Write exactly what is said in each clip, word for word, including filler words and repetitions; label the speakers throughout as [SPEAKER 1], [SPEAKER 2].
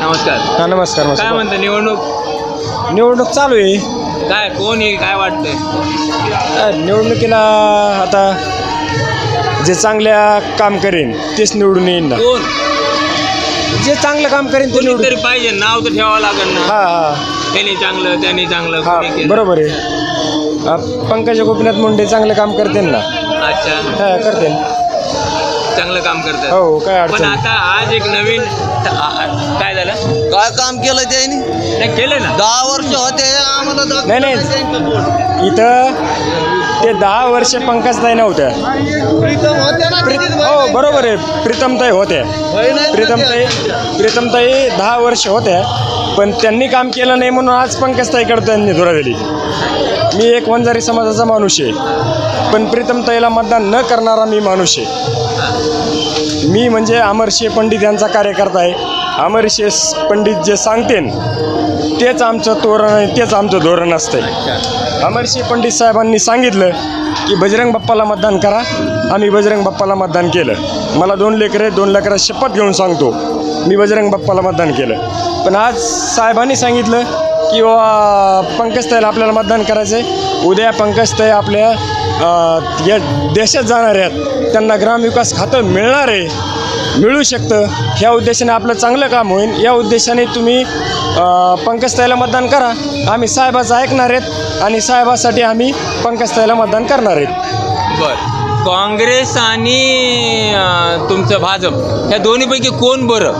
[SPEAKER 1] नमस्कार.
[SPEAKER 2] हा नमस्कार.
[SPEAKER 1] काय म्हणतं निवडणूक
[SPEAKER 2] निवडणूक चालू आहे.
[SPEAKER 1] काय कोण येईल काय वाटतंय?
[SPEAKER 2] अ, निवडणुकीला आता जे चांगल्या काम करेन तेच निवडून येईन ना.
[SPEAKER 1] कोण
[SPEAKER 2] जे चांगलं काम करेन ते निवडून.
[SPEAKER 1] कोणीतरी पाहिजे, नाव तर ठेवावं लागेल ना.
[SPEAKER 2] हा हा
[SPEAKER 1] त्यांनी चांगलं त्यांनी चांगलं
[SPEAKER 2] हा
[SPEAKER 1] कोणी केलं?
[SPEAKER 2] बरोबर आहे. अ, पंकजा गोपीनाथ मुंडे चांगलं काम करते ना.
[SPEAKER 1] अच्छा,
[SPEAKER 2] हा करते.
[SPEAKER 1] चांगलं काम करतात.
[SPEAKER 2] हो काय
[SPEAKER 1] पण
[SPEAKER 2] अडचण
[SPEAKER 1] आता आज एक नवीन आ- आ- काय झालं?
[SPEAKER 3] काय काम केलं त्यांनी?
[SPEAKER 1] नाही केलं ना.
[SPEAKER 3] दहा वर्ष होते आम्हाला दाखवलं
[SPEAKER 2] नाही, नाही.
[SPEAKER 3] त्यांचं बोट.
[SPEAKER 2] इथं ते दहा वर्ष पंकजताई नव्हत्या.
[SPEAKER 3] प्रीतम होते ना
[SPEAKER 2] प्री-
[SPEAKER 3] तिथेच
[SPEAKER 2] हो
[SPEAKER 3] बहिणी.
[SPEAKER 2] बरोबर आहे. प्रीतमताई होत्या.
[SPEAKER 3] बहीण आहेत ना
[SPEAKER 2] प्रीतमताई
[SPEAKER 3] त्या.
[SPEAKER 2] प्रीतमताई दहा वर्ष होत्या पण त्यांनी काम केलं नाही म्हणून आज पंकजताईकडे त्यांनी धुरा दिली. मी एक वंजारी समाजाचा माणूस आहे पण प्रीतमताईला मतदान न करणारा मी माणूस आहे. मी म्हणजे अमरसिंह पंडित यांचा कार्यकर्ता आहे. अमरसिंह पंडित जे सांगतेन तेच आमचं तोरण आहे, तेच आमचं धोरण असतं. अमरसिंह पंडित साहेबांनी सांगितलं की बजरंग बाप्पाला मतदान करा. आम्ही बजरंग बाप्पाला मतदान केलं. मला दोन लेकरं दोन लेकरं शपथ घेऊन सांगतो मी बजरंग बाप्पाला मतदान केलं. पण आज साहेबांनी सांगितलं की वा पंकजताईला आपल्याला मतदान करायचं आहे. उद्या पंकजताई आपल्या अ, या देशात जाणार आहेत. त्यांना ग्रामविकास खातं मिळणार आहे, मिळू शकतं. ह्या उद्देशाने आपलं चांगलं काम होईल. या उद्देशाने तुम्ही अ, पंकजताईला मतदान करा. आम्ही साहेबाचं ऐकणार आहेत आणि साहेबासाठी आम्ही पंकजताईला मतदान करणार आहेत.
[SPEAKER 1] बर, काँग्रेस आणि अं, तुमचं भाजप ह्या दोन्हीपैकी कोण बरं?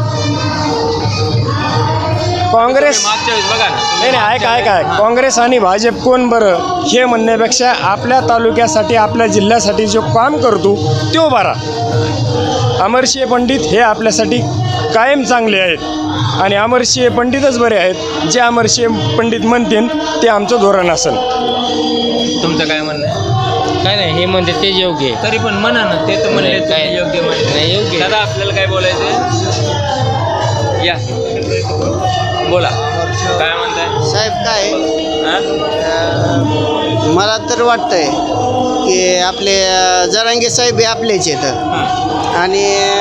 [SPEAKER 2] काँग्रेस
[SPEAKER 1] मागच्या वेळेस बघा ना.
[SPEAKER 2] नाही नाही ऐका ऐका काँग्रेस आणि भाजप कोण बरं हे म्हणण्यापेक्षा आपल्या तालुक्यासाठी आपल्या जिल्ह्यासाठी जो काम करतो तो बरा. अमरसिंह पंडित हे आपल्यासाठी कायम चांगले आहेत आणि अमरसिंह पंडितच बरे आहेत. जे अमरसिंह पंडित म्हणतील ते आमचं धोरण असेल.
[SPEAKER 1] तुमचं काय म्हणणं आहे?
[SPEAKER 4] काय नाही हे म्हणते ते योग्य आहे.
[SPEAKER 1] तरी पण म्हणा ना. ते तर म्हणले
[SPEAKER 4] काय?
[SPEAKER 1] काय योग्य म्हणले.
[SPEAKER 4] नाही, योग्य आहे.
[SPEAKER 1] दादा आपल्याला काय बोलायचं आहे? या बोला, काय म्हणताय
[SPEAKER 3] साहेब काय
[SPEAKER 1] हा?
[SPEAKER 3] अं, मला तर वाटतंय की आपले अं, जरांगे साहेब हे आपलेच आहेत
[SPEAKER 1] हा,
[SPEAKER 3] आणि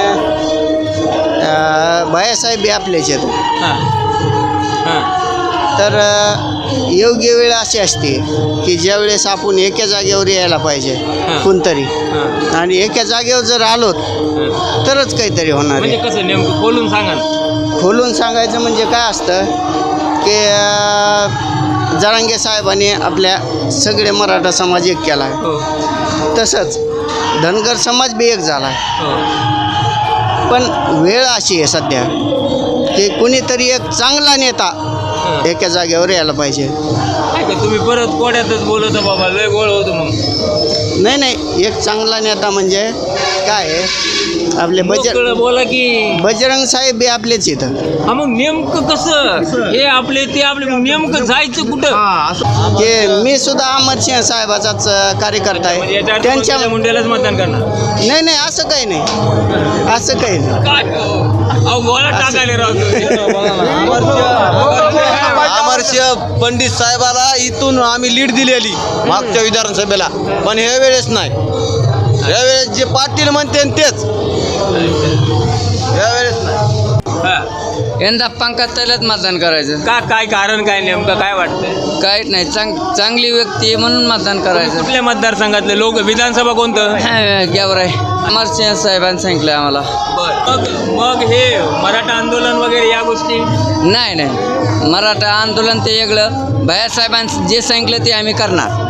[SPEAKER 3] अं, भैयासाहेब हे आपलेच आहेत.
[SPEAKER 1] हा, हा.
[SPEAKER 3] तर अं, योग्य वेळ अशी असते की ज्यावेळेस आपण एका जागेवर यायला पाहिजे कोणतरी,
[SPEAKER 1] हा.
[SPEAKER 3] आणि एका जागेवर जर आलो
[SPEAKER 1] हा.
[SPEAKER 3] तरच काहीतरी होणार
[SPEAKER 1] म्हणजे
[SPEAKER 3] आहे.
[SPEAKER 1] कसं नेमकं खोलून सांगा ना.
[SPEAKER 3] खोलून सांगायचं म्हणजे काय असतं की अं, जरांगे साहेबांनी आपल्या सगळे मराठा समाज एक केला आहे.
[SPEAKER 1] हो,
[SPEAKER 3] तसंच धनगर समाज बी एक झाला आहे.
[SPEAKER 1] हो.
[SPEAKER 3] पण वेळ अशी आहे सध्या की कुणीतरी एक चांगला नेता
[SPEAKER 1] हा.
[SPEAKER 3] एका जागेवर यायला पाहिजे.
[SPEAKER 1] काय का तुम्ही परत कोड्यातच बोलत बाबा, लय गोळ होतो मग.
[SPEAKER 3] नाही नाही एक चांगला नेता म्हणजे काय आहे, आपले बजर
[SPEAKER 1] मोकळं बोला की.
[SPEAKER 3] बजरंग साहेब बी आपलेच इथं.
[SPEAKER 1] हा, मग नेमकं कसं हे आपले ते आपले मग नेमकं जायचं कुठं?
[SPEAKER 3] की मी सुद्धा अमरसिंह साहेबाचाच अं, कार्यकर्ता
[SPEAKER 1] म्हणजे
[SPEAKER 3] आहे.
[SPEAKER 1] याच्या अर्थ
[SPEAKER 3] त्यांच्या
[SPEAKER 1] पंकजा मुंडेलाच मतदान करणार?
[SPEAKER 3] नाही नाही असं काही नाही, असं काही नाही.
[SPEAKER 1] काय हो? अहो गोळा टाकायला राव
[SPEAKER 5] अमरसिंह पंडित साहेबाला इथून आम्ही लीड दिलेली मागच्या विधानसभेला, पण ह्या वेळेस नाही. यावेळेस जे पाटील म्हणते तेच, यावेळेस नाही.
[SPEAKER 4] यंदा पंकजताईलाच मतदान करायचं.
[SPEAKER 1] का काय कारण काय नेमकं काय वाटतंय?
[SPEAKER 4] काहीच नाही, चांग चांगली व्यक्ती आहे म्हणून मतदान करायचं.
[SPEAKER 1] कुठल्या मतदारसंघातले लोक? विधानसभा कोणतं?
[SPEAKER 4] घ्यावर आहे. अमरसिंह साहेबांनी सांगितलं आम्हाला.
[SPEAKER 1] मग मग हे मराठा आंदोलन वगैरे या गोष्टी?
[SPEAKER 4] नाही नाही, मराठा आंदोलन ते वेगळं. भैयासाहेबांनी जे सांगितलं ते आम्ही करणार.